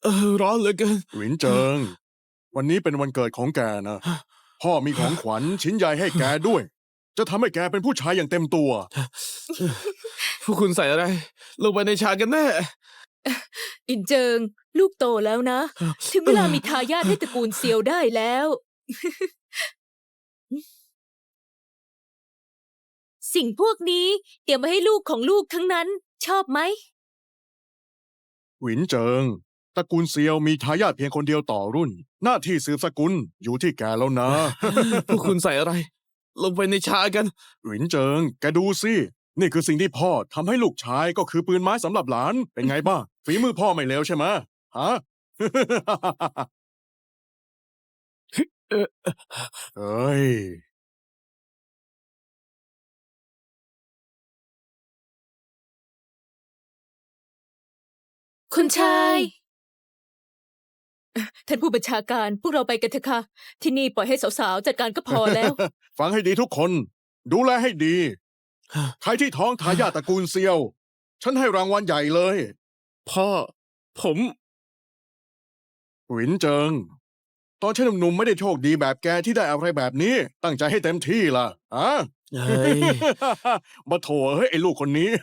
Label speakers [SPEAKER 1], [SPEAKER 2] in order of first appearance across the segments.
[SPEAKER 1] ร้อนเหลือเกิน
[SPEAKER 2] หวินเจิง วันนี้เป็นวันเกิดของแกนะ พ่อมีของขวัญชิ้นใหญ่ให้แกด้วย จะทำให้แกเป็นผู้ชายอย่างเต็มตัว
[SPEAKER 1] พวกคุณใส่อะไร ลงไปในชากันแน่
[SPEAKER 3] อินเจิง ลูกโตแล้วนะ ถึงเวลามีทายาทให้ตระกูลเซียวได้แล้ว สิ่งพวกนี้เตรียมมาให้ลูกของลูกทั้งนั้น ชอบไหม
[SPEAKER 2] หวินเจิง ตระกูลเซียวมีทายาทเพียงคนเดียวต่อรุ่น หน้าที่สืบสกุลอยู่ที่แกแล้วนะ
[SPEAKER 1] พวกคุณใส่อะไร ลงไปในชากัน
[SPEAKER 2] หวินเจิง แกดูสิ นี่คือสิ่งที่พ่อทำให้ลูกชายก็คือปืนไม้สำหรับหลาน เป็นไงบ้าง ฝีมือพ่อไม่เลวใช่ไหมฮะ เฮ้ย
[SPEAKER 3] คุณชาย ท่านผู้บัญชาการพวกเราไปกันเถอะค่ะ ที่นี่ปล่อยให้สาวๆจัดการก็พอแล้ว
[SPEAKER 2] ฟังให้ดีทุกคน ดูแลให้ดี ใครที่ท้องทายาทตระกูลเซียว ฉันให้รางวัลใหญ่เลย
[SPEAKER 1] พ่อ ผม
[SPEAKER 2] หวินเจิง ตอนฉันหนุ่มๆไม่ได้โชคดีแบบแกที่ได้อะไรแบบนี้ ตั้งใจให้เต็มที่ล่ะอะ
[SPEAKER 1] เฮ้ย
[SPEAKER 2] มาโถเฮ้ยไอ้ลูกคนนี้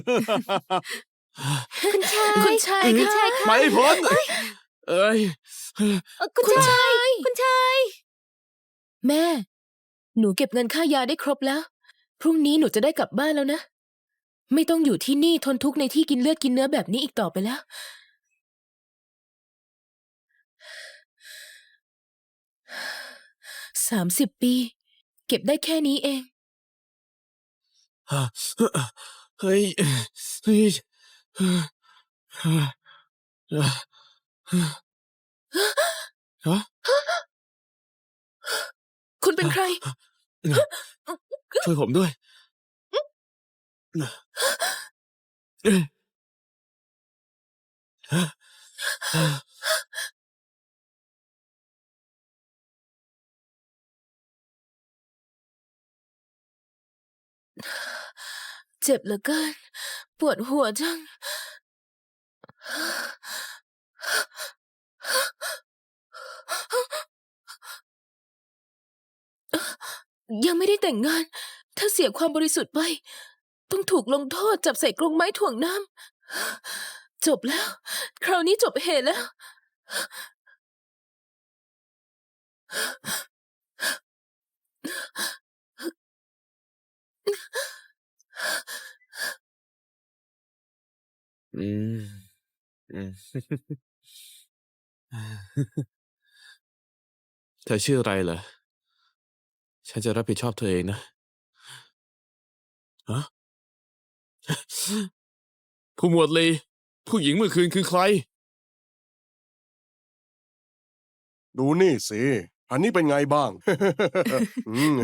[SPEAKER 3] คุณชาย คุณชาย คุณชายค่ะ
[SPEAKER 1] ไม่พ้นเอ้ย
[SPEAKER 3] คุณชาย คุณชาย
[SPEAKER 4] แม่ หนูเก็บเงินค่ายาได้ครบแล้ว พรุ่งนี้หนูจะได้กลับบ้านแล้วนะ ไม่ต้องอยู่ที่นี่ทนทุกข์ในที่กินเลือดกินเนื้อแบบนี้อีกต่อไปแล้ว 30 ปี เก็บได้แค่นี้เอง
[SPEAKER 1] เฮ้ย เฮ้ย ฮะ
[SPEAKER 4] คุณเป็นใคร
[SPEAKER 1] ช่วยผมด้วย
[SPEAKER 4] เจ็บเหลือเกิน ปวดหัวจัง ยังไม่ได้แต่งงาน ถ้าเสียความบริสุทธิ์ไป ต้องถูกลงโทษจับใส่กรงไม้ถ่วงน้ำ จบแล้ว คราวนี้จบเหตุแล้ว
[SPEAKER 1] อืม เธอชื่ออะไรเหรอ ฉันจะรับผิดชอบเธอเองนะ ฮะ ผู้หมวดลี ผู้หญิงเมื่อคืนคือใคร
[SPEAKER 2] ดูนี่สิ อันนี้เป็นไงบ้าง อืม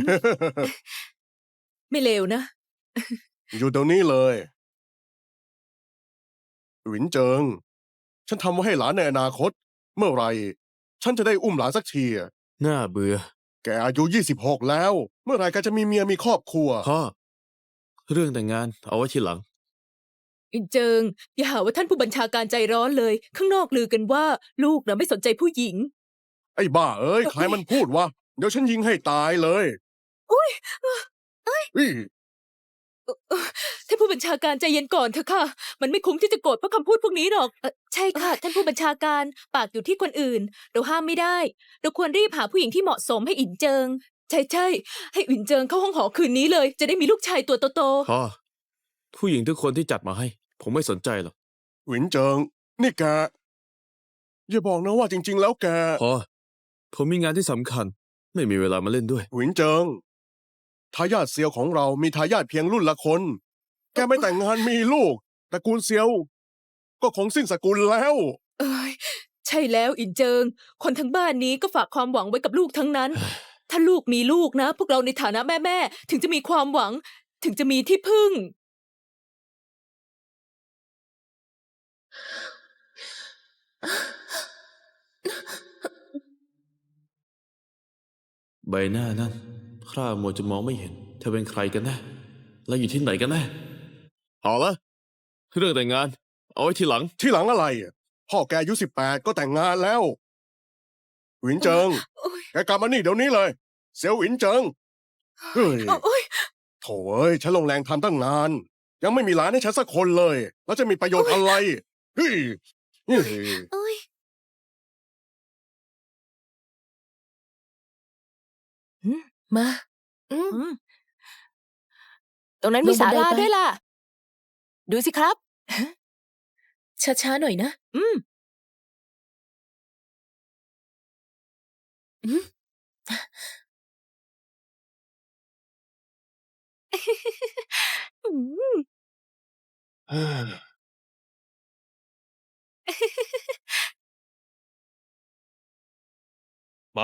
[SPEAKER 3] ไม่เลวนะ
[SPEAKER 2] อยู่ตรงนี้เลย หวินเจิง ฉันทำไว้ให้หลานในอนาคต เมื่อไหรฉันจะได้อุ้มหลานสักทีอะ
[SPEAKER 1] น่าเบื่อ
[SPEAKER 2] แกอายุ26แล้ว เมื่อไหรแกจะมีเมียมีครอบครัว
[SPEAKER 1] พ่อ เรื่องแต่งงานเอาไว้ทีหลัง
[SPEAKER 3] อินเจิง อย่าหาว่าท่านผู้บัญชาการใจร้อนเลย ข้างนอกลือกันว่า ลูกน่ะไม่สนใจผู้หญิง
[SPEAKER 2] ไอ้บ้าเอ้ย ใครมันพูดวะ เดี๋ยวฉันยิงให้ตายเลย
[SPEAKER 3] อุ๊ย
[SPEAKER 2] อี้
[SPEAKER 3] ท่านผู้บัญชาการใจเย็นก่อนเถอะค่ะ มันไม่คุ้มที่จะโกรธเพราะคำพูดพวกนี้หรอก ใช่ค่ะ ท่านผู้บัญชาการปากอยู่ที่คนอื่น เราห้ามไม่ได้ เราควรรีบหาผู้หญิงที่เหมาะสมให้อินเจิง ใช่ๆให้อินเจิงเข้าห้องหอคืนนี้เลย จะได้มีลูกชายตัวโต
[SPEAKER 1] พ่อ ผู้หญิงทุกคนที่จัดมาให้ ผมไม่สนใจหรอก
[SPEAKER 2] หวินเจิง นี่แก อย่าบอกนะว่าจริง ๆ แล้วแก
[SPEAKER 1] พ่อ ผมมีงานที่สำคัญ ไม่มีเวลามาเล่นด้วย
[SPEAKER 2] หวินเจิง ทายาทเซียวของเรามีทายาทเพียงรุ่นละคน แกไม่แต่งงานมีลูกตระกูลเซียว ก็คงสิ้นสกุลแล้ว
[SPEAKER 3] ๆ เอ้ยใช่แล้วอินเจิง คนทั้งบ้านนี้ก็ฝากความหวังไว้กับลูกทั้งนั้น ถ้าลูกมีลูกนะ พวกเราในฐานะแม่ๆถึงจะมีความหวัง ถึงจะมีที่พึ่ง
[SPEAKER 1] ใบหน้านั่นคร่ามัวจะมองไม่เห็น เธอเป็นใครกันแน่ และอยู่ที่ไหนกันแน่เอาละเรื่องแต่งงาน เอาไว้ทีหลัง
[SPEAKER 2] ที่หลังอะไรอะพ่อแกอายุ18ก็แต่งงานแล้ว หวินเจิง
[SPEAKER 3] โอ๊ย
[SPEAKER 2] แกกลับมานี่เดี๋ยวนี้เลย เสี่ยวหวินเจิง เฮ้ย
[SPEAKER 3] โอ๊ย
[SPEAKER 2] โถ่เอ้ยฉันลงแรงทำตั้งนาน ยังไม่มีหลานให้ฉันสักคนเลย แล้วจะมีประโยชน์อะไร เฮ้ยเฮ้ย
[SPEAKER 3] โอ๊ย
[SPEAKER 4] มา
[SPEAKER 3] อืมตรงนั้นมี
[SPEAKER 4] ลงบั
[SPEAKER 3] ศาน
[SPEAKER 4] ได
[SPEAKER 3] ลา
[SPEAKER 4] ไป
[SPEAKER 3] ด้วยล่ะ ดูสิครับ
[SPEAKER 4] ช้าๆหน่อยนะ
[SPEAKER 3] อืม
[SPEAKER 4] อืม
[SPEAKER 3] อืม
[SPEAKER 5] มา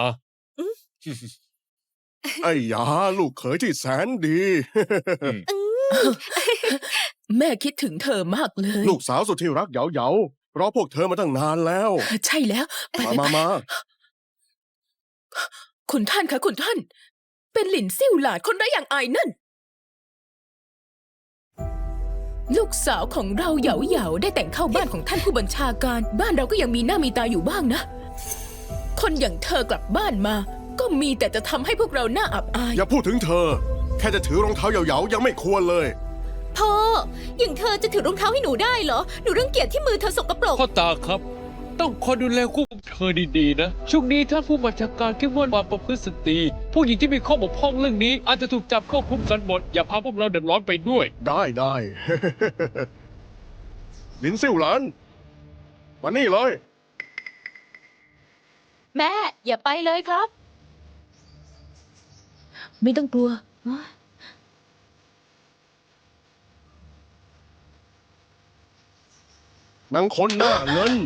[SPEAKER 2] ไอ้ยาลูกเขยที่แสนดี
[SPEAKER 4] แม่คิดถึงเธอมากเลย
[SPEAKER 2] ลูกสาวสุดที่รักเหยาๆรอพวกเธอมาตั้งนานแล้ว
[SPEAKER 4] ใช่แล้ว ไป
[SPEAKER 2] มา
[SPEAKER 4] ไป
[SPEAKER 2] มา
[SPEAKER 4] คุณท่านคะคุณท่าน เป็นหลินซิ่วหลาดคนไร้อย่างอายนั่น ลูกสาวของเราเหยาๆได้แต่งเข้าบ้านของท่านผู้บัญชาการ บ้านเราก็ยังมีหน้ามีตาอยู่บ้างนะ คนอย่างเธอกลับบ้านมา ก็มีแต่จะทำให้พวกเราหน้าอับอาย
[SPEAKER 2] อย่าพูดถึงเธอ แค่จะถือรองเท้าเหยาๆยังไม่ควรเลย
[SPEAKER 3] พ่อ อย่างเธอจะถือรองเท้าให้หนูได้เหรอ หนูรังเกียจที่มือเธอสกปรก
[SPEAKER 5] พ่อตาครับ ต้องคอยดูแลควบคุมเธอดีๆนะ ช่วงนี้ท่านผู้บัญชาการเข้มงวดความประพฤติสตรี ผู้หญิงที่มีข้อบกพร่องเรื่องนี้ อาจจะถูกจับเข้าคุกกันหมด อย่าพาพวกเราเดือดร้อนไปด้วย
[SPEAKER 2] ได้ ลินซิ่วหลานมานี่เลย
[SPEAKER 3] แม่ อย่าไปเลยครับ
[SPEAKER 4] ไม่ต้องกลัว
[SPEAKER 2] นางคนหน้าเงิน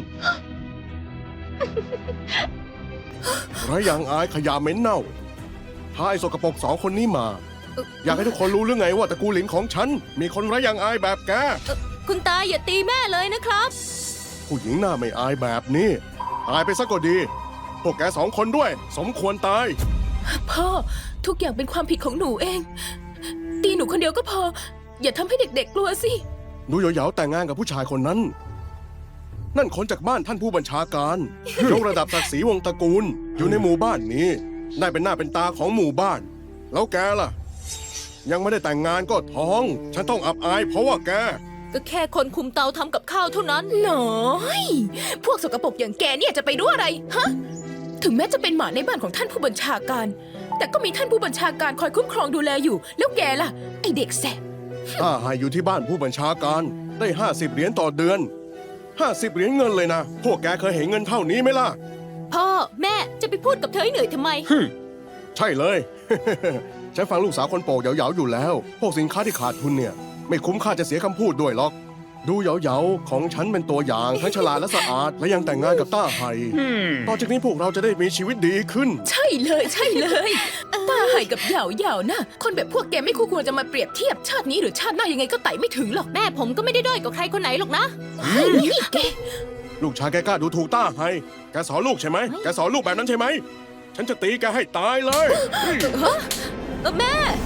[SPEAKER 2] ไรอย่างอายขยะเหม็นเน่าพาไอ้สกปรกสองคนนี้มา อยากให้ทุกคนรู้หรือไงว่าตระกูลหลินของฉัน มีคนไรอย่างอายแบบแก
[SPEAKER 3] คุณตาอย่าตีแม่เลยนะครับ
[SPEAKER 2] ผู้หญิงหน้าไม่อายแบบนี้ อายไปซะก็ดี พวกแกสองคนด้วย สมควรตาย
[SPEAKER 4] พ่อ ทุกอย่างเป็นความผิดของหนูเอง ตีหนูคนเดียวก็พอ อย่าทำให้เด็กๆกลัวสิ
[SPEAKER 2] ดูเหยาๆแต่งงานกับผู้ชายคนนั้น นั่นคนจากบ้านท่านผู้บัญชาการ ยกระดับศักดิ์ศรีวงศ์ตระกูล อยู่ในหมู่บ้านนี้ ได้เป็นหน้าเป็นตาของหมู่บ้าน แล้วแกล่ะ ยังไม่ได้แต่งงานก็ท้อง ฉันต้องอับอายเพราะว่าแก
[SPEAKER 3] ก็แค่คนคุมเตาทำกับข้าวเท่านั้น
[SPEAKER 4] น้อย พวกสกปรกอย่างแกเนี่ยจะไปรู้อะไร ฮะ ถึงแม้จะเป็นหมาในบ้านของท่านผู้บัญชาการ แต่ก็มีท่านผู้บัญชาการคอยคุ้มครองดูแลอยู่ แล้วแกล่ะ ไอเด็กแสบ
[SPEAKER 2] ถ้าให้อยู่ที่บ้านผู้บัญชาการได้50 เหรียญต่อเดือน 50 เหรียญเงินเลยนะ พวกแกเคยเห็นเงินเท่านี้ไหมล่ะ
[SPEAKER 3] พ่อ แม่จะไปพูดกับเธอให้เหนื่อยทำไม
[SPEAKER 2] ใช่เลย ฉันฟังลูกสาวคนโปกเหยาๆอยู่แล้ว พวกสินค้าที่ขาดทุนเนี่ย ไม่คุ้มค่าจะเสียคำพูดด้วยหรอก ดูเหยาๆของฉันเป็นตัวอย่างทั้งฉลาดและสะอาด และยังแต่งงานกับต้าไห่ต่อจากนี้พวกเราจะได้มีชีวิตดีขึ้น
[SPEAKER 4] ใช่เลยใช่เลยตาไห่กับเหยาๆนะ คนแบบพวกแกไม่คู่ควรจะมาเปรียบเทียบชาตินี้หรือชาติหน้ายังไงก็ไต่ไม่ถึงหรอก
[SPEAKER 3] แม่ผมก็ไม่ได้ด้อยกว่าใครคนไหนหรอกนะ
[SPEAKER 4] นี่แก
[SPEAKER 2] ลูกชายแกกล้าดูถูกต้าไห่แกสอนลูกใช่ไหมแกสอนลูกแบบนั้นใช่ไหม ฉันจะตีแกให้ตายเลย
[SPEAKER 3] แม่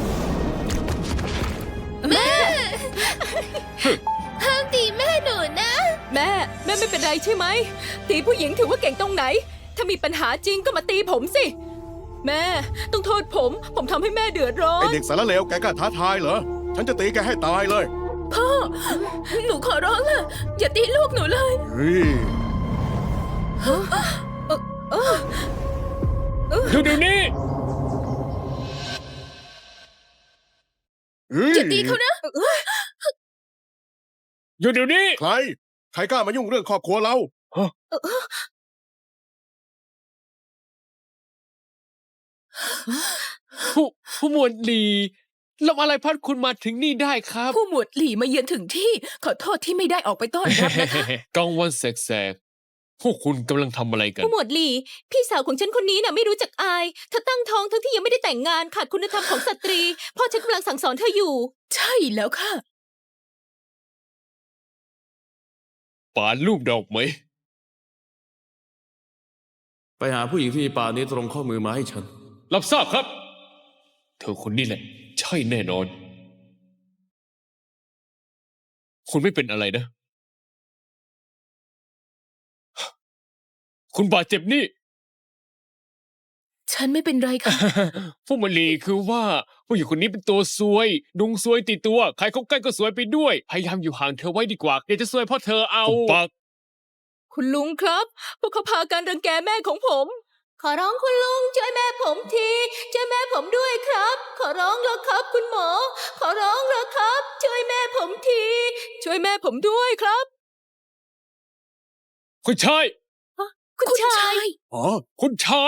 [SPEAKER 3] แม่
[SPEAKER 4] ห้ามตีแม่หนูนะ
[SPEAKER 3] แม่ไม่เป็นไรใช่ไหม ตีผู้หญิงถือว่าเก่งตรงไหน ถ้ามีปัญหาจริงก็มาตีผมสิ แม่ต้องโทษผมทำให้แม่เดือดร้อ
[SPEAKER 2] ไอน เด็กสารเลวแกกล้าท้าทายเหรอ ฉันจะตีแกให้ตายเลย
[SPEAKER 4] พ่อ หนูขอร้องล่ะ อย่าตีลูกหนูเลย
[SPEAKER 2] เฮ้ย
[SPEAKER 5] อยู่เดี๋ยวนี้
[SPEAKER 2] เฮ้ย
[SPEAKER 4] อย่าตีเขานะ
[SPEAKER 5] อยู่เดี๋ยวนี้
[SPEAKER 2] ใคร ใครกล้ามายุ่งเรื่องครอบครัวเรา
[SPEAKER 5] ผู้หมวดดีแล้วอะไรพัดคุณมาถึงนี่ได้ครับ
[SPEAKER 4] ผู้หมวดหลี่มาเยือนถึงที่ ขอโทษที่ไม่ได้ออกไปต้อนรับนะคะ
[SPEAKER 5] กลางวันแสกๆ พวกคุณกำลังทำอะไรกัน
[SPEAKER 3] ผู้หมวดหลี่พี่สาวของฉันคนนี้น่ะไม่รู้จักอายเธอตั้งท้องทั้งที่ยังไม่ได้แต่งงานขาดคุณธรรมของสตรี พ่อฉันกำลังสั่งสอนเธออยู่
[SPEAKER 4] ใช่แล้วค่ะ
[SPEAKER 5] ปานรูปดอกไหม
[SPEAKER 1] ไปหาผู้หญิงที่มีปากนี้ตรงข้อมือมาให้ฉัน
[SPEAKER 5] รับทราบครับ เธอคนนี้แหละ ใช่แน่นอน คุณไม่เป็นอะไรนะคุณบาดเจ็บนี่
[SPEAKER 4] ฉันไม่เป็นไรค่ะ
[SPEAKER 5] ผู้มลีคือว่าผู้หญิงคนนี้เป็นตัวซวยดุงซวยติดตัว ใครเข้าใกล้ก็ซวยไปด้วย พยายามอยู่ห่างเธอไว้ดีกว่าเดี๋ยวจะซวยเพราะเธอเอาปาก
[SPEAKER 3] คุณลุงครับ พวกเขาพากันรังแกแม่ของผม ขอร้องคุณลุงช่วยแม่ผมทีช่วยแม่ผมด้วยครับ ขอร้องแล้วครับ คุณหมอ ขอร้องแล้วครับ ช่วยแม่ผมที ช่วยแม่ผมด้วยครับ
[SPEAKER 5] คุณชาย
[SPEAKER 4] คุณชาย
[SPEAKER 2] อ๋อ
[SPEAKER 5] คุณชาย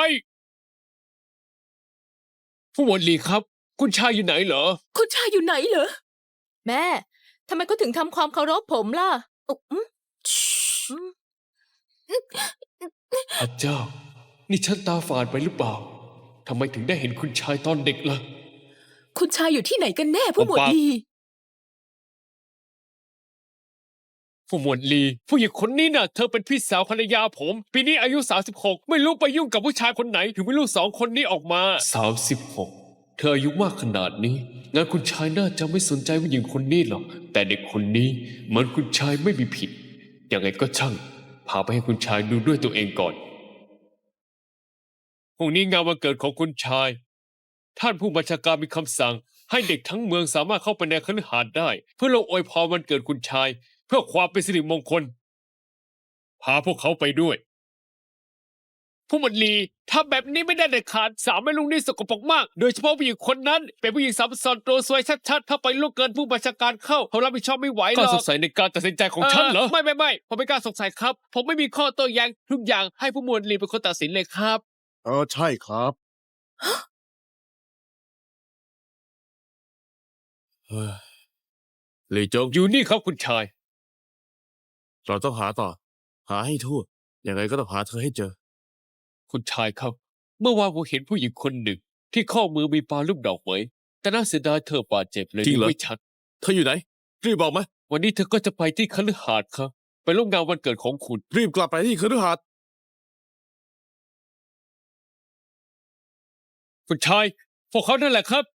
[SPEAKER 5] ผู้หมวดลีครับ คุณชายอยู่ไหนเหรอ
[SPEAKER 4] คุณชายอยู่ไหนเหรอ
[SPEAKER 3] แม่ทำไมเขาถึงทำความเคารพผมล่ะอุ๊อืมอืม
[SPEAKER 5] พระเจ้า นี่ฉันตาฝาดไปหรือเปล่า ทำไมถึงได้เห็นคุณชายตอนเด็กล่ะ
[SPEAKER 4] คุณชายอยู่ที่ไหนกันแน่ผู้หมวด
[SPEAKER 5] ผมปะ
[SPEAKER 4] ลี
[SPEAKER 5] ผู้หมวดลี ผู้หญิงคนนี้น่ะ เธอเป็นพี่สาวภรรยาผม ปีนี้อายุ 36 ไม่รู้ไปยุ่งกับผู้ชายคนไหน ถึงไม่รู้สองคนนี้ออกมา 36 เธออายุมากขนาดนี้ งั้นคุณชายน่าจะไม่สนใจผู้หญิงคนนี้หรอก แต่เด็กคนนี้เหมือนคุณชายไม่มีผิด ยังไงก็ช่าง พาไปให้คุณชายดูด้วยตัวเองก่อน พรุ่งนี้งานวันเกิดของคุณชาย ท่านผู้บัญชาการมีคำสั่ง ให้เด็กทั้งเมืองสามารถเข้าไปในคฤหาสน์ได้ เพื่อลงอวยพรวันเกิดคุณชาย เพื่อความเป็นสิริมงคล พาพวกเขาไปด้วย ผู้หมวดลีถ้าแบบนี้ไม่ได้เด็ดขาดสามแม่ลุงนี่สกปรกมาก โดยเฉพาะผู้หญิงคนนั้น เป็นผู้หญิงสามซอนตัวซวยชัดๆ ถ้าไปล่วงเกินผู้บัญชาการเข้าเขารับผิดชอบไม่ไหวหรอกก็สงสัยในการตัดสินใจของฉันเหรอ ไม่ผมไม่กล้าสงสัยครับ ผมไม่มีข้อโต้แย้งทุกอย่างให้ผู้หมวดลีเป็นคนตัดสินเลยครับ
[SPEAKER 2] ใช่ครับ
[SPEAKER 1] เฮ้ยหลีจง
[SPEAKER 5] อยู่นี่ครับคุณชาย
[SPEAKER 1] เราต้องหาต่อ หาให้ทั่วยังไงก็ต้องหาเธอให้เจอ
[SPEAKER 5] คุณชายครับ เมื่อวานผมเห็นผู้หญิงคนหนึ่ง ที่ข้อมือมีปลาลูกดอกไม้แต่น่าเสียดายเธอบาดเจ็บเลย
[SPEAKER 1] จริงเหรอ
[SPEAKER 5] ไม่ชัด
[SPEAKER 1] เธออยู่ไหน รีบบอกมา
[SPEAKER 5] วันนี้เธอก็จะไปที่คฤหาสน์ครับ ไปร่วมงานวันเกิดของคุณ
[SPEAKER 1] รีบกลับไปที่คฤหาสน์
[SPEAKER 5] คุณชาย พวกเขานั่นแหละครับ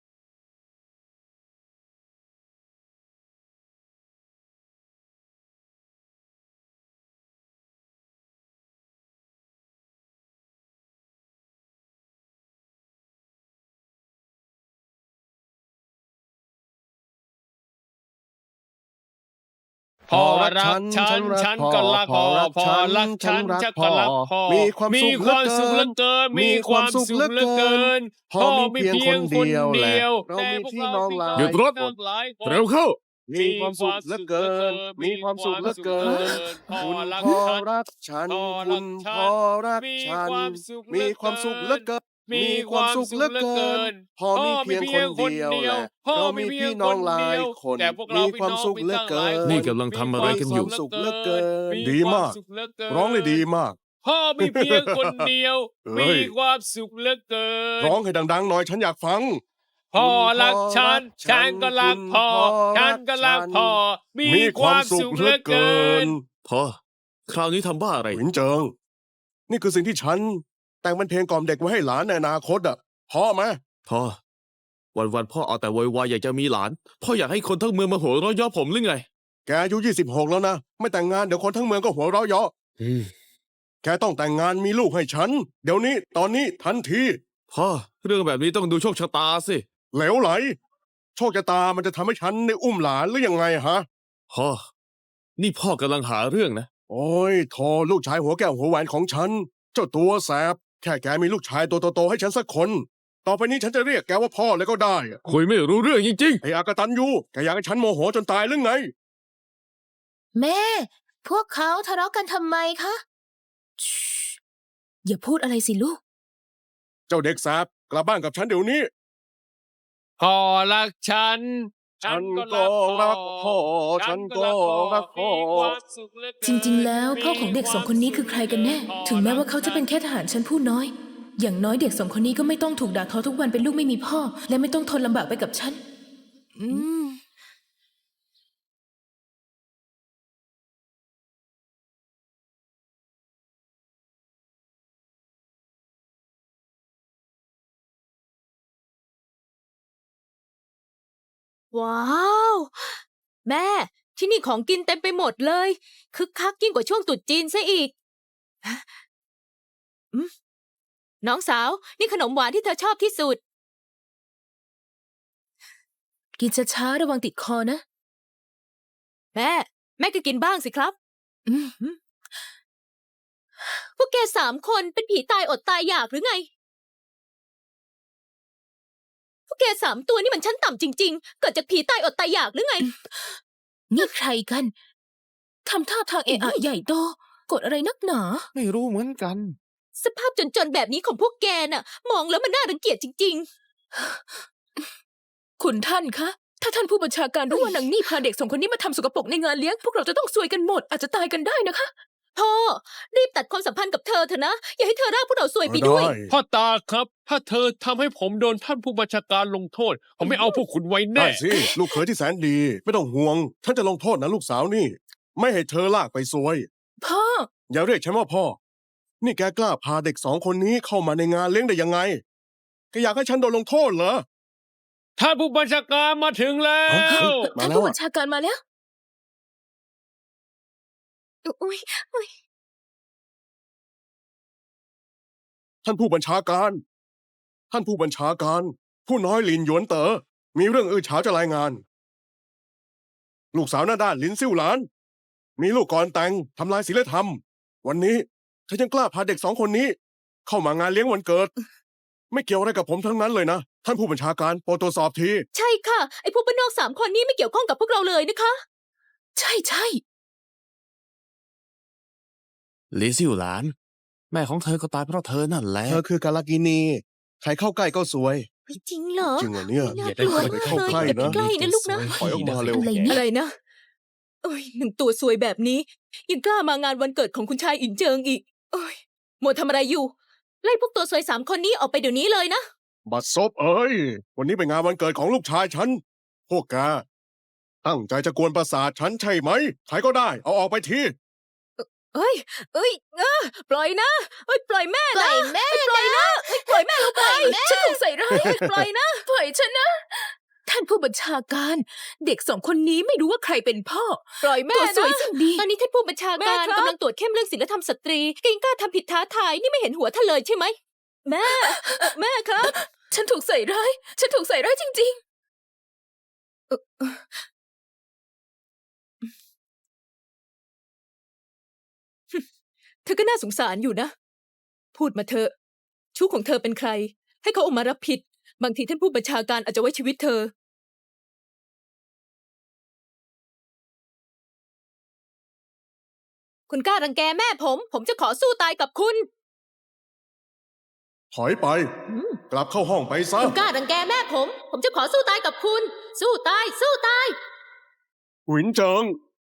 [SPEAKER 5] พอรักฉันฉันก็รักพอพอรักฉันฉันก็รักพอ
[SPEAKER 2] มีความสุข
[SPEAKER 5] เหลือเกินมีความสุขเหลือเกิน
[SPEAKER 2] พ่อมีเพียงคนเดียวแหละเรา
[SPEAKER 5] แต่
[SPEAKER 2] มี
[SPEAKER 5] พวก
[SPEAKER 2] พี่น้องหลาย
[SPEAKER 1] หยุดรถ
[SPEAKER 5] น้องหลายคน
[SPEAKER 1] เร็วเข้า
[SPEAKER 2] มีความสุขเหลือเกิน มีความสุขเหลือเกิน คุณพ่อรักฉัน คุณพ่อรักฉัน มีความสุขเหลือเกิน มีความสุขเหลือเกิน พ่อมีเพียงคนเดียวแหละเรามีพี่น้องหลายคน มีความสุขเหลือเกิน
[SPEAKER 1] นี่กำลังทำอะไรกันอยู่
[SPEAKER 2] มีความสุขเหลือเกิน ดีมาก ร้องได้ดีมาก
[SPEAKER 5] พ่อมีเพียงคนเดียว
[SPEAKER 2] เฮ้
[SPEAKER 5] มี
[SPEAKER 2] ย
[SPEAKER 5] ความสุขเหลือเกิน
[SPEAKER 2] ร้องให้ดังๆหน่อยฉันอยากฟัง
[SPEAKER 5] พ่อรักฉัน ฉันก็รักพ่อ ฉันก็รักพ่อ มีความสุขเหลือเกิน
[SPEAKER 1] พอ คราวนี้ทำบ้าอะไร
[SPEAKER 2] หวินเจิง นี่คือสิ่งที่ฉัน แต่งเป็นเพลงกล่อมเด็กไว้ให้หลานในอนาคตอ่ะพอไหม
[SPEAKER 1] พ่อ วันๆพ่อเอาแต่โวยวายอยากจะมีหลาน พ่ออยากให้คนทั้งเมืองมาหัวเราะเย่อผมหรือไง
[SPEAKER 2] แกอายุ26แล้วนะ ไม่แต่งงานเดี๋ยวคนทั้งเมืองก็หัวเราะเยาะแกต้องแต่งงานมีลูกให้ฉัน เดี๋ยวนี้ตอนนี้ทันที
[SPEAKER 1] พ่อ เรื่องแบบนี้ต้องดูโชคชะตาสิ
[SPEAKER 2] เหลวไหล โชคชะตามันจะทำให้ฉันได้อุ้มหลานหรือยังไงฮะ
[SPEAKER 1] พ่อ นี่พ่อกำลังหาเรื่องนะ
[SPEAKER 2] โอ้ยโทลูกชายหัวแก้วหัวแหวนของฉัน เจ้าตัวแสบ แค่แกมีลูกชายตัวโตๆให้ฉันสักคน ต่อไปนี้ฉันจะเรียกแกว่าพ่อเลยก็ได้อะ
[SPEAKER 1] คุยไม่รู้เรื่องจริง
[SPEAKER 2] ไอ้อากตันยูแกอยากให้ฉันโมโหจนตายหรือไง
[SPEAKER 4] แม่ พวกเขาทะเลาะกันทำไมคะชิอย่าพูดอะไรสิลูก
[SPEAKER 2] เจ้าเด็กแสบกลับบ้านกับฉันเดี๋ยวนี้
[SPEAKER 5] พ่อรักฉัน
[SPEAKER 2] ฉันก็รักพ่อฉันก็รักพ่อ
[SPEAKER 4] จริงๆ แล้วพ่อของเด็กสองคนนี้คือใครกันแน่ ถึงแม้ว่าเขาจะเป็นแค่ทหารชั้นผู้น้อย อย่างน้อยเด็กสองคนนี้ก็ไม่ต้องถูกด่าทอทุกวันเป็นลูกไม่มีพ่อ และไม่ต้องทนลำบากไปกับฉัน
[SPEAKER 3] อืม ว้าว แม่ ที่นี่ของกินเต็มไปหมดเลย คึกคักยิ่งกว่าช่วงตรุษจีนซะอีกน้องสาว นี่ขนมหวานที่เธอชอบที่สุด
[SPEAKER 4] กินช้าๆระวังติดคอนะ
[SPEAKER 3] แม่ก็กินบ้างสิครับ
[SPEAKER 4] อืม
[SPEAKER 3] พวกแก3 คนเป็นผีตายอดตายอยากหรือไง พวกแก3 ตัวนี่มันชั้นต่ำจริงๆ เกิดจากผีตายอดตายอยากหรือไง
[SPEAKER 4] นี่ใครกันทำท่าทางเอะอะใหญ่โตกดอะไรนักหนา
[SPEAKER 1] ไม่รู้เหมือนกัน
[SPEAKER 3] สภาพจนๆแบบนี้ของพวกแกน่ะ มองแล้วมันน่ารังเกียจจริง
[SPEAKER 4] คุณท่านคะ ถ้าท่านผู้บัญชาการรู้ว่านางนี่พาเด็ก2 คนนี้มาทำสกปรกในงานเลี้ยง พวกเราจะต้องซวยกันหมด อาจจะตายกันได้นะคะ
[SPEAKER 3] ๆ พ่อ รีบตัดความสัมพันธ์กับเธอเถอะนะ อย่าให้เธอร่ากพวกเราซวยไปด้วย
[SPEAKER 5] พ่อตาครับ ถ้าเธอทำให้ผมโดนท่านผู้บัญชาการลงโทษ ผมไม่เอาพวกคุณไว้
[SPEAKER 2] ได้
[SPEAKER 5] แน่
[SPEAKER 2] สิ ลูกเขยที่แสนดี ไม่ต้องห่วง ฉันจะลงโทษนะลูกสาวนี่ ไม่ให้เธอลากไปซวย
[SPEAKER 4] พ่อ
[SPEAKER 2] อย่าเรียกฉันว่าพ่อ นี่แกกล้าพาเด็ก2 คนนี้เข้ามาในงานเลี้ยงได้ยังไงแกอยากให้ฉันโดนลงโทษเหรอ
[SPEAKER 5] ท่านผู้บัญชาการมาถึงแล้ว
[SPEAKER 2] มา
[SPEAKER 4] ท่าน
[SPEAKER 2] แล้ว
[SPEAKER 4] ผู้
[SPEAKER 2] อะ
[SPEAKER 4] บัญชาการมาแล้ว
[SPEAKER 3] อุ๊ย
[SPEAKER 2] ท่านผู้บัญชาการ ท่านผู้บัญชาการ ผู้น้อยหลินหยวนเต๋อ มีเรื่องอื้อฉาวจะรายงาน ลูกสาวหน้าด้านหลินซิ่วหลาน มีลูกก่อนแต่งทำลายศีลธรรม วันนี้เธอยังกล้าพาเด็ก2 คนนี้ เข้ามางานเลี้ยงวันเกิด ไม่เกี่ยวอะไรกับผมทั้งนั้นเลยนะ ท่านผู้บัญชาการโปรดตรวจสอบที
[SPEAKER 3] ใช่ค่ะ ไอ้พวกบ้านนอก3 คนนี้ไม่เกี่ยวข้องกับพวกเราเลยนะคะ
[SPEAKER 4] ใช่ใช่
[SPEAKER 1] หลีซิ่วหลาน แม่ของเธอก็ตายเพราะเธอนั่นแหละ
[SPEAKER 2] เธอคือกาลากินี ใครเข้าใกล้ก็สวย
[SPEAKER 3] จริงเหรอ
[SPEAKER 2] จริงเหรอเนี่ย
[SPEAKER 3] น่า
[SPEAKER 2] อย่าได้
[SPEAKER 3] กลัว
[SPEAKER 2] ไปเข้าใกล้
[SPEAKER 3] อย่าไป
[SPEAKER 2] นะ
[SPEAKER 3] ใกล้นะลูกนะ
[SPEAKER 2] ถอยออกมาเร็ว
[SPEAKER 4] อะไรเนี่ย
[SPEAKER 3] อะไรนะโอ้ยหนึ่งตัวซวยแบบนี้ ยังกล้ามางานวันเกิดของคุณชายอินเจิงอีกโอ้ยมัวทำอะไรอยู่ ไล่พวกตัวซวย3 คนนี้ออกไปเดี๋ยวนี้เลยนะ
[SPEAKER 2] บัดซบเอ้ย วันนี้เป็นงานวันเกิดของลูกชายฉัน พวกแกตั้งใจจะกวนประสาทฉันใช่ไหม ใครก็ได้ เอาออกไปที
[SPEAKER 3] เอ้ยปล่อยนะเอ้ยปล่อยแม่นะปล่อยนะเอ้ยปล่อยแม่ลงไป
[SPEAKER 4] ฉันถูกใส่ร้าย
[SPEAKER 3] ปล่อยนะ
[SPEAKER 4] ปล่อยฉันนะ ท่านผู้บัญชาการ เด็ก2 คนนี้ไม่รู้ว่าใครเป็นพ่อ
[SPEAKER 3] ปล่อยแม่
[SPEAKER 4] ตัวสวย
[SPEAKER 3] นะ
[SPEAKER 4] สิ่งดี
[SPEAKER 3] ตอนนี้ท่านผู้บัญชาการ
[SPEAKER 4] แม่ครับ
[SPEAKER 3] กำลังตรวจเข้มเรื่องศีลธรรมสตรีแกยังกล้าทำผิดท้าทายนี่ไม่เห็นหัวท่านเลยใช่ไหมแม่แม่ครับ
[SPEAKER 4] ฉันถูกใส่ร้าย ฉันถูกใส่ร้ายจริง
[SPEAKER 3] เธอก็น่าสงสารอยู่นะ พูดมาเถอะชู้ของเธอเป็นใคร ให้เขาออกมารับผิด บางทีท่านผู้บัญชาการอาจจะไว้ชีวิตเธอ คุณกล้ารังแกแม่ผมจะขอสู้ตายกับคุณ
[SPEAKER 2] ถอยไป กลับเข้าห้องไปซะ
[SPEAKER 3] คุณกล้ารังแกแม่ผมจะขอสู้ตายกับคุณ สู้ตาย สู้ตาย
[SPEAKER 2] หวินเจิง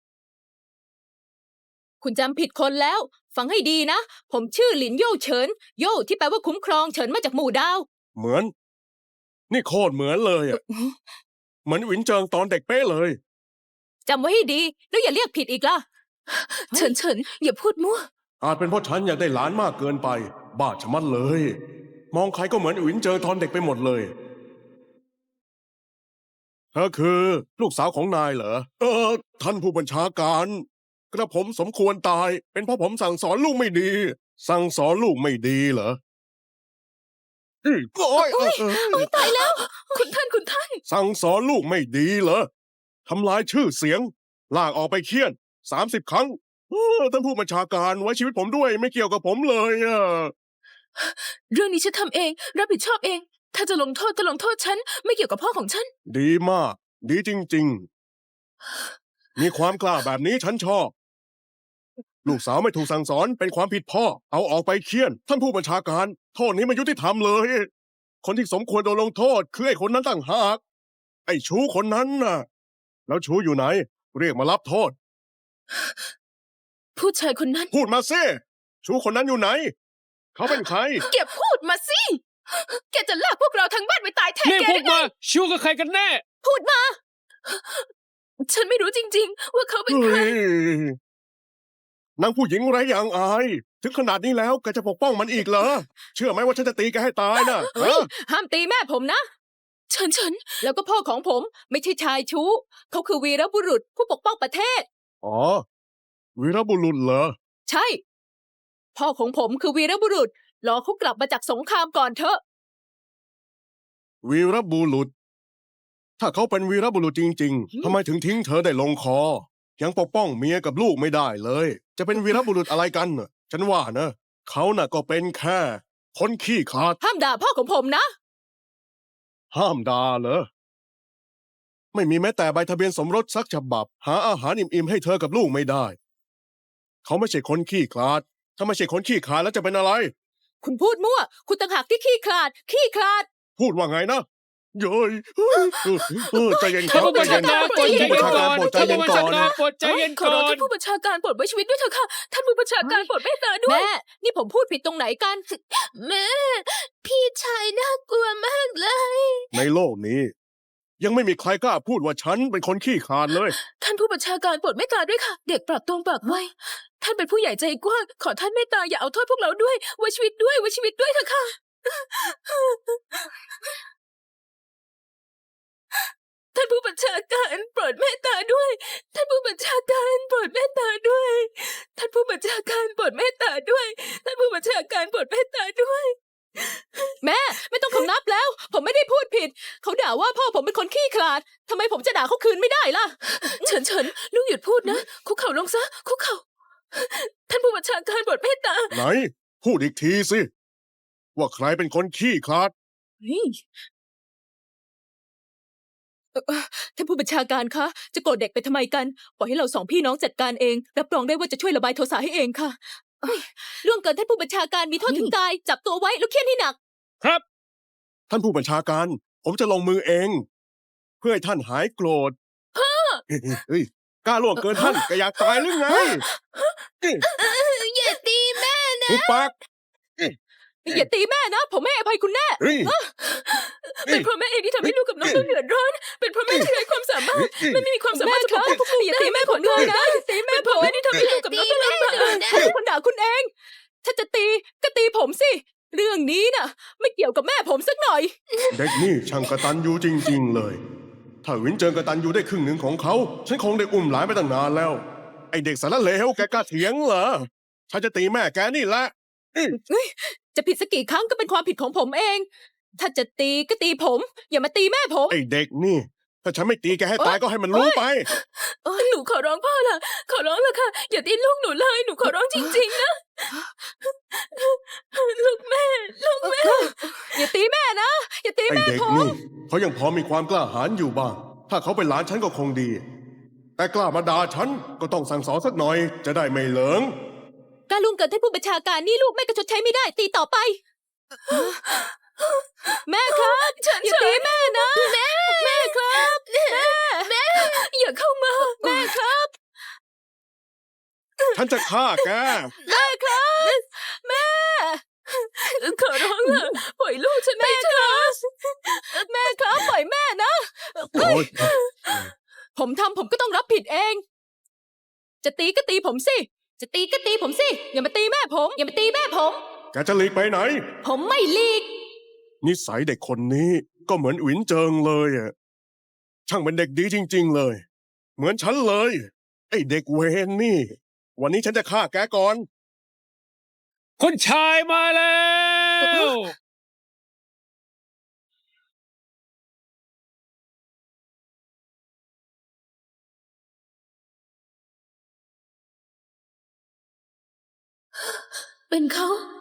[SPEAKER 3] คุณจำผิดคนแล้ว ฟังให้ดีนะ ผมชื่อหลินโย่เฉิน โย่ที่แปลว่าคุ้มครองเฉินมาจากหมู่ดาว
[SPEAKER 2] เหมือน นี่โคตรเหมือนเลยอะเหมือนหวินเจิงตอนเด็กเป๊ะเลย
[SPEAKER 3] จำไว้ให้ดี แล้วอย่าเรียกผิดอีกล่ะ
[SPEAKER 4] ๆ เฉินอย่าพูดมั่ว
[SPEAKER 2] อาจเป็นเพราะฉันอยากได้หลานมากเกินไป บ้าชะมัดเลย มองใครก็เหมือนหวินเจิงตอนเด็กไปหมดเลย เธอคือลูกสาวของนายเหรอ ท่านผู้บัญชาการ กระผมสมควรตาย เป็นเพราะผมสั่งสอนลูกไม่ดี สั่งสอนลูกไม่ดีเหรอโอ้ย
[SPEAKER 3] ตายแล้ว
[SPEAKER 4] คุณท่าน
[SPEAKER 2] สั่งสอนลูกไม่ดีเหรอ ทำลายชื่อเสียง ลากออกไปเคี่ยน30 ครั้งท่านผู้บัญชาการไว้ชีวิตผมด้วยไม่เกี่ยวกับผมเลยอะ
[SPEAKER 4] เรื่องนี้ฉันทำเอง รับผิดชอบเอง ถ้าจะลงโทษก็ลงโทษฉัน ไม่เกี่ยวกับพ่อของฉัน
[SPEAKER 2] ดีมาก ดีจริง ๆ มีความกล้าแบบนี้ฉันชอบ ลูกสาวไม่ถูกสั่งสอนเป็นความผิดพ่อ เอาออกไปเคี่ยน ท่านผู้บัญชาการ โทษนี้ไม่ยุติธรรมเลย คนที่สมควรโดนลงโทษคือไอ้คนนั้นต่างหาก ไอ้ชู้คนนั้นน่ะ แล้วชู้อยู่ไหน เรียกมารับโทษ
[SPEAKER 4] ผู้ชายคนนั้น
[SPEAKER 2] พูดมาสิชู้คนนั้นอยู่ไหน เขาเป็นใคร
[SPEAKER 4] แกพูดมาสิ แกจะลากพวกเราทั้งบ้านไปตายแทน
[SPEAKER 5] เรียก
[SPEAKER 4] แก
[SPEAKER 5] พว
[SPEAKER 4] ได้
[SPEAKER 5] ก
[SPEAKER 4] ไง
[SPEAKER 5] มาชิวกับใครกันแน่
[SPEAKER 4] ฉันไม่รู้จริง ๆ ว่าเขาเป็น
[SPEAKER 2] เฮ้
[SPEAKER 4] ใคร
[SPEAKER 2] ยนางผู้หญิงไร้อย่างอาย ถึงขนาดนี้แล้วแกจะปกป้องมันอีกเหรอ เชื่อไหมว่าฉันจะตีแกให้ตายนะ
[SPEAKER 3] เฮ้ย ห้ามตีแม่ผมนะ
[SPEAKER 4] เฉิน
[SPEAKER 3] แล้วก็พ่อของผมไม่ใช่ชายชู้ เขาคือวีรบุรุษผู้ปกป้องประเทศ
[SPEAKER 2] อ๋อ วีรบุรุษเหรอ
[SPEAKER 3] ใช่ พ่อของผมคือวีรบุรุษรอเขากลับมาจากสงครามก่อนเถอะ
[SPEAKER 2] วีรบุรุษ ถ้าเขาเป็นวีรบุรุษจริงๆทำไมถึงทิ้งเธอได้ลงคอ ยังปกป้องเมียกับลูกไม่ได้เลย จะเป็นวีรบุรุษอะไรกันน่ะฉันว่านะเขาน่ะก็เป็นแค่คนขี้ขลาด
[SPEAKER 3] ห้ามด่าพ่อของผมนะ
[SPEAKER 2] ห้ามด่าเหรอ ไม่มีแม้แต่ใบทะเบียนสมรสสักฉบับ หาอาหารอิ่มๆให้เธอกับลูกไม่ได้ เขาไม่ใช่คนขี้ขลาด ถ้าไม่ใช่คนขี้ขลาดแล้วจะเป็นอะไร
[SPEAKER 3] คุณพูดมั่ว คุณต่างหากที่ขี้ขลาด ขี้ขลาด
[SPEAKER 2] พูดว่าไงนะเย้ยใจเย็นค
[SPEAKER 5] ท่า
[SPEAKER 2] รั
[SPEAKER 5] น
[SPEAKER 2] บ
[SPEAKER 5] ผู้
[SPEAKER 2] ใจ
[SPEAKER 5] บัญ
[SPEAKER 2] เย็
[SPEAKER 5] ชาน การโปรดใจ
[SPEAKER 2] ท่าน
[SPEAKER 5] เย็น
[SPEAKER 2] ผู้
[SPEAKER 5] ก่
[SPEAKER 2] บั
[SPEAKER 5] อ
[SPEAKER 2] ญ
[SPEAKER 5] น
[SPEAKER 2] ชาการโปรดใจเย็นก่อน
[SPEAKER 5] ท่านผู้บัญชาการโปรดใจเย็น
[SPEAKER 4] ขอ
[SPEAKER 5] ก่
[SPEAKER 4] ร้
[SPEAKER 5] อ
[SPEAKER 4] อง
[SPEAKER 5] น
[SPEAKER 4] ท่านผู้บัญชาการโปรดไว้ชีวิตด้วยเถอะค่ะ ท่านผู้บัญชาการโปรดเมตตาด้วย
[SPEAKER 3] แม่ นี่ผมพูดผิดตรงไหนกัน
[SPEAKER 4] แม่ พี่ชายน่ากลัวมากเลย
[SPEAKER 2] ในโลกนี้ ยังไม่มีใครกล้าพูดว่าฉันเป็นคนขี้ขลาดเลย
[SPEAKER 4] ท่านผู้บัญชาการโปรดเมตตาด้วยค่ะ เด็กปรับตรงปากไวท่านเป็นผู้ใหญ่ใจกว้าง ขอท่านเมตตาอย่าเอาโทษพวกเราด้วยไว้ชีวิตด้วยไว้ชีวิตด้วยเถอะค่ะ ท่านผู้บัญชาการโปรดเมตตาด้วย ท่านผู้บัญชาการโปรดเมตตาด้วย ท่านผู้บัญชาการโปรดเมตตาด้วย ท่านผู้บัญชาการโปรดเมตตาด้วย
[SPEAKER 3] แม่ ไม่ต้องคำนับแล้ว ผมไม่ได้พูดผิด เขาด่าว่าพ่อผมเป็นคนขี้ขลาดทำไมผมจะด่าเขาคืนไม่ได้ล่ะ
[SPEAKER 4] เฉินลูกหยุดพูดนะ คุกเข่าลงซะ คุกเข่า ท่านผู้บัญชาการโปรดเมตตา
[SPEAKER 2] ไหน พูดอีกทีสิ ว่าใครเป็นคนขี้ขลาด
[SPEAKER 3] ท่านผู้บัญชาการคะ จะโกรธเด็กไปทำไมกัน ปล่อยให้เราสองพี่น้องจัดการเอง รับรองได้ว่าจะช่วยระบายโทสะให้เองค่ะล่วงเกินท่านผู้บัญชาการมีโทษถึงตาย จับตัวไว้แล้วเคี่ยนให้หนัก
[SPEAKER 5] ครับ
[SPEAKER 2] ท่านผู้บัญชาการ ผมจะลงมือเอง เพื่อให้ท่านหายโกรธเฮ้ยกล้าล่วงเกินท่านก็อยากตายหรือไง
[SPEAKER 4] อย่าตีแม่นะ
[SPEAKER 2] หุบปาก
[SPEAKER 3] อย่าตีแม่นะ ผมไม่ให้อภัยคุณแน่
[SPEAKER 2] เฮ้ย
[SPEAKER 4] เป็นเพราะแม่เองที่ทำให้ลูกกับน้องต้องเดือดร้อน เป็นเพราะแม่ที่ไร้ความสามารถแม่ไม่มีความสามารถจะปกป้องพวกลูก
[SPEAKER 3] อย่า
[SPEAKER 4] ได้
[SPEAKER 3] ตีแม่ผมเลยนะอย่าตีแม่ผม
[SPEAKER 4] แม่ที่ทำให้ลูกกับน้องต้องลำบาก
[SPEAKER 3] ผมเป็นคนด่าคุณเอง ถ้าจะตีก็ตีผมสิ เรื่องนี้น่ะ ไม่เกี่ยวกับแม่ผมสักหน่อย
[SPEAKER 2] เด็กนี่ช่างกระตันยูจริง ๆ เลย ถ้าวินเจิงกระตันยูได้ครึ่งหนึ่งของเขา ฉันคงได้อุ้มหลานไปตั้งนานแล้ว ไอเด็กสารเลวแกกล้าเถียงเหรอ ฉันจะตีแม่แกนี่แหละ
[SPEAKER 3] จะผิดสักกี่ครั้งก็เป็นความผิดของผมเอง ถ้าจะตีก็ตีผม อย่ามาตีแม่ผม
[SPEAKER 2] ไอเด็กนี่ ถ้าฉันไม่ตีแกให้ตายก็ให้มันรู้ไป
[SPEAKER 4] หนูขอร้องพ่อละขอร้องละค่ะ อย่าตีลูกหนูเลย หนูขอร้องจริงๆนะ ลูกแม่ ลูกแม่
[SPEAKER 3] อย่าตีแม่นะ อย่าตี
[SPEAKER 2] ไอ
[SPEAKER 3] แม่
[SPEAKER 2] เด็ก
[SPEAKER 3] ผม
[SPEAKER 2] นี่เขายังพอมีความกล้าหาญอยู่บ้าง ถ้าเขาเป็นหลานฉันก็คงดี แต่กล้ามาด่าฉันก็ต้องสั่งสอนสักหน่อย จะได้ไม่เหลิง
[SPEAKER 3] การลุงเกิดท่านผู้บัญชาการนี่ลูกแม่ก็ชดใช้ไม่ได้ ตีต่อไป แม่ครับอย่าตีแม่นะ แม่ครับ
[SPEAKER 4] แม่ อย่าเข้ามา
[SPEAKER 3] แม่ครับ
[SPEAKER 2] ฉันจะฆ่าแก
[SPEAKER 3] แม่ครับ แม่
[SPEAKER 4] ขอร้องละปล่อยลูกฉันไปเถอะ
[SPEAKER 3] แม่ครับปล่อยแม่นะ
[SPEAKER 2] โอ๊ย
[SPEAKER 3] ผมทำผมก็ต้องรับผิดเอง จะตีก็ตีผมสิ จะตีก็ตีผมสิ อย่ามาตีแม่ผม อย่ามาตีแม่ผม
[SPEAKER 2] แกจะหลีกไปไหน
[SPEAKER 3] ผมไม่หลีก
[SPEAKER 2] นิสัยเด็กคนนี้ก็เหมือนอินเจิงเลยอะช่างเป็นเด็กดีจริง ๆ เลย เหมือนฉันเลย ไอ้เด็กเวนนี่ วันนี้ฉันจะฆ่าแกก่อน
[SPEAKER 5] คุณชายมาแล้ว
[SPEAKER 4] เป็นเขา